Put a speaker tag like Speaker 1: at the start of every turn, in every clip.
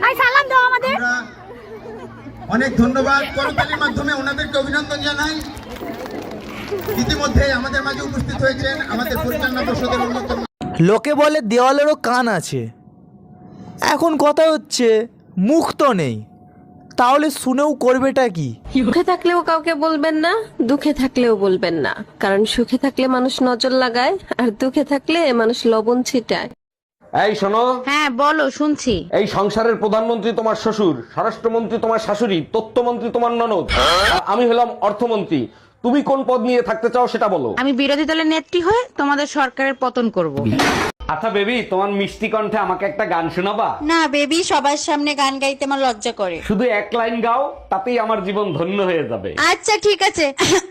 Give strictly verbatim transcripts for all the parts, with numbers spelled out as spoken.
Speaker 1: I সালাম দাও আমাদের।
Speaker 2: অনেক ধন্যবাদ, করতালির মাধ্যমে ওনাদেরকে অভিনন্দন জানাই। ইতিমধ্যে আমাদের মাঝে উপস্থিত হয়েছেন আমাদের পরিচালনা পর্ষদের অন্যতম।
Speaker 3: লোকে বলে দেওয়ালেরও কান আছে, এখন কথা হচ্ছে মুখ তো নেই, তাহলে শুনেও করবেটা কি?
Speaker 4: সুখে থাকলেও কাউকে বলবেন না, দুঃখে থাকলেও বলবেন না, কারণ সুখে থাকলে মানুষ নজর লাগায় আর দুঃখে থাকলে মানুষ লবণ ছিটায়।
Speaker 5: এই শোনো,
Speaker 1: হ্যাঁ বলো, শুনছি।
Speaker 5: এই সংসারের প্রধানমন্ত্রী তোমার শ্বশুর, স্বরাষ্ট্রমন্ত্রী তোমার শাশুড়ি, তথ্যমন্ত্রী তোমার ননদ, আর আমি হলাম অর্থমন্ত্রী। তুমি কোন পদ নিয়ে থাকতে চাও সেটা বলো।
Speaker 1: আমি বিরোধী দলের নেত্রী হয়ে তোমাদের সরকারের পতন করব।
Speaker 5: আচ্ছা বেবি, তোমার মিষ্টি কণ্ঠে আমাকে একটা গান শোনাবা?
Speaker 1: না বেবি, সবার সামনে গান গাইতে আমার লজ্জা করে।
Speaker 5: শুধু এক লাইন গাও, তাতেই আমার জীবন ধন্য হয়ে যাবে।
Speaker 1: আচ্ছা ঠিক আছে।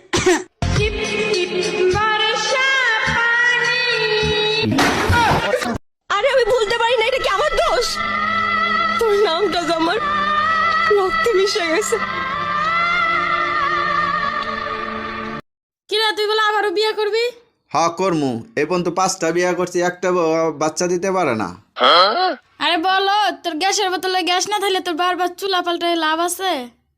Speaker 4: আরে আমি বুঝতে পারি না, এটা কি আমার দোষ? তোর নামটা যে আমার রক্তে মিশে গেছে।
Speaker 6: কিরা তুই বলে আবারও বিয়ে করবি?
Speaker 7: হা করমু, এই পর্যন্ত পাঁচটা বিয়া করছি, একটা ব- বাচ্চা দিতে পারে না।
Speaker 6: আরে বলো, তোর গ্যাসের বোতলে গ্যাস না থাকলে তোর বারবার চুলা পাল্টায় লাভ আছে?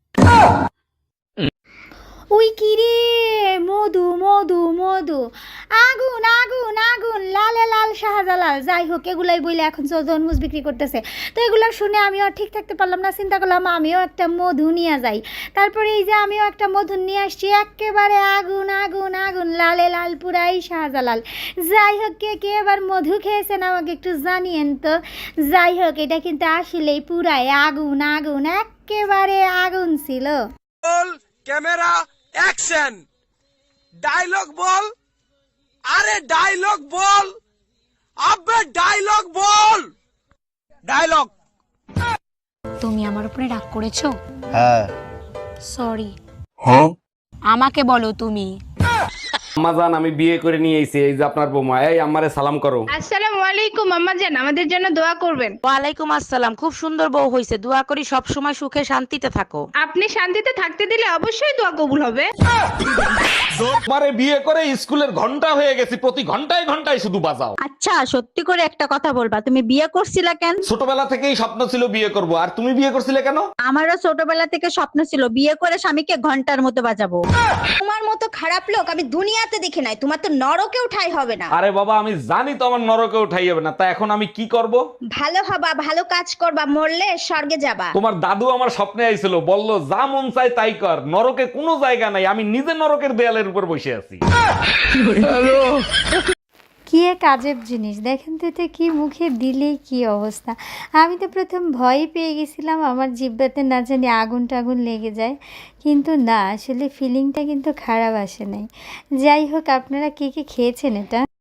Speaker 1: ওই কি রে, মধু মধু মধু, আগুন আগুন আগুন, লালে লাল শাহজালাল। যাই হোক, এগুলাই বলে এখন তরমুজ বিক্রি করতেছে। তো এগুলো শুনে আমিও আর ঠিক থাকতে পারলাম না, চিন্তা করলাম আমিও একটা মধু নিয়ে যাই। তারপরে এই যে আমিও একটা মধু নিয়ে আসছি, একেবারে আগুন আগুন আগুন, লালে লাল, পুরাই শাহজালাল। যাই হোক, কে কে এবার মধু খেয়েছেন আমাকে একটু জানিয়েন তো। যাই হোক, এটা কিন্তু আসলেই পুরাই আগুন আগুন, একেবারে আগুন ছিল।
Speaker 8: ক্যামেরা অ্যাকশন, ডায়লগ বল। আরে ডায়লগ বল, আবে ডায়লগ বল, ডায়লগ।
Speaker 9: তুমি আমার উপরে রাগ করেছো?
Speaker 7: হ্যাঁ।
Speaker 9: সরি। আমাকে বলো তুমি।
Speaker 5: আম্মাজান, আমি বিয়ে করে নিয়ে এসেছি, এই যে আপনার বৌমা। এই আম্মারে সালাম করো।
Speaker 6: আসসালামু আলাইকুম আম্মা জান, আমাদের জন্য দোয়া করবেন।
Speaker 9: ওয়ালাইকুম আসসালাম, খুব সুন্দর বউ হয়েছে, দোয়া করি সব সময় সুখে শান্তিতে থাকো।
Speaker 6: আপনি শান্তিতে থাকতে দিলে অবশ্যই দোয়া কবুল হবে।
Speaker 5: তোমারে বিয়ে করে স্কুলের ঘন্টা হয়ে গেছি, প্রতি ঘন্টায় ঘন্টায় শুধু বাজাও।
Speaker 1: আচ্ছা সত্যি করে একটা কথা বলবা, তুমি বিয়ে করছিলা কেন?
Speaker 5: ছোটবেলা থেকেই স্বপ্ন ছিল বিয়ে করব, আর তুমি বিয়ে করছিলে কেন?
Speaker 1: আমারও ছোটবেলা থেকে স্বপ্ন ছিল বিয়ে করে স্বামীকে ঘন্টার মতো বাজাবো।
Speaker 10: তোমার মতো খারাপ লোক আমি দুনিয়াতে দেখি নাই, তোমার তো নরকেও ঠাঁই হবে না।
Speaker 5: আরে বাবা, আমি জানি তো আমার নরকে উঠাই যাবে না, তা এখন আমি কি করব?
Speaker 10: ভালো হবা, ভালো কাজ করবা, মরলে স্বর্গে যাবা।
Speaker 5: তোমার দাদু আমার স্বপ্নে আইছিল, বলল যা মন চাই তাই কর, নরকে কোনো জায়গা নাই, আমি নিজে নরকের দেয়ালের উপর বসে আছি।
Speaker 1: কি এক আজব জিনিস, দেখেন তো এটা কি মুখে দিলেই কি অবস্থা। আমি তো প্রথম ভয় পেয়ে গেছিলাম আমার জিহ্বাতে না জানি আগুন টাগুন লেগে যায়, কিন্তু না, আসলে ফিলিংটা কিন্তু খারাপ আসে নাই। যাই হোক, আপনারা কে কে খেয়েছেন এটা?